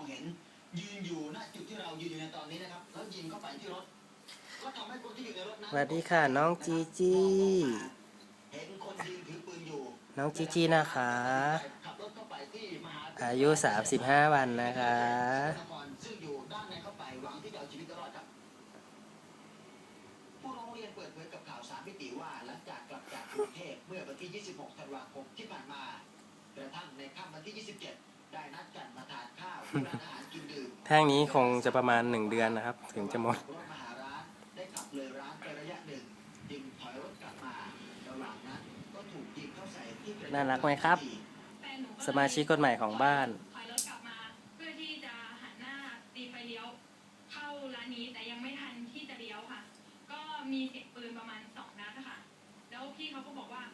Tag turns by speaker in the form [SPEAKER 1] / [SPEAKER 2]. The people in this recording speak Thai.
[SPEAKER 1] เห็นยืนอยู่ณจุดที่เรายืนอยู่ในตอนนี้นะครับแล้วยิงเข้าไปที่รถก็ทำให้คนที่อยู่ในรถนั้น
[SPEAKER 2] สวัสดีค่ะน้องจีจี้
[SPEAKER 1] เห็นคนยืนถือปืนอยู่
[SPEAKER 2] น้องจีจี้นะคะ
[SPEAKER 1] ขับรถเข้าไปที่มหาวิทยาลัย
[SPEAKER 2] อายุ35 วันนะคะ
[SPEAKER 1] ซึ่งอยู่ด้านในเข้าไปหวังที่จะเอาชีวิตรอดครับผู้ร้องเรียนเปิดเผยกับข่าว3 มิติว่าหลังจากกลับจากกรุงเทพเมื่อวันที่26 ธันวาคมที่ผ่านมากระทั่งในค่ำวันที่27ได้นัดกันมาทานข้าวที่ร้านอาหารกินดื่ม
[SPEAKER 2] แท่งนี้คงจะประมาณ1 เดือนนะครับถึงจะหมด
[SPEAKER 1] รถมาหาร้านได้ขับเลยร้านไประยะหนึ่งจึงถอยรถกลับมาระหว่างนั้นก็ถูกยิงเข้าใส่ที่กระจก
[SPEAKER 2] น่ารักไหมครับสมาชิกคนใหม่ของบ้าน
[SPEAKER 3] ถอยรถกลับมาเพื่อที่จะหันหน้าตีไฟเลี้ยวเข้าร้านนี้แต่ยังไม่ทันที่จะเลี้ยวค่ะก็มีเสียงปืนประมาณ2 นัดค่ะแล้วพี่เขาก็บอกว่า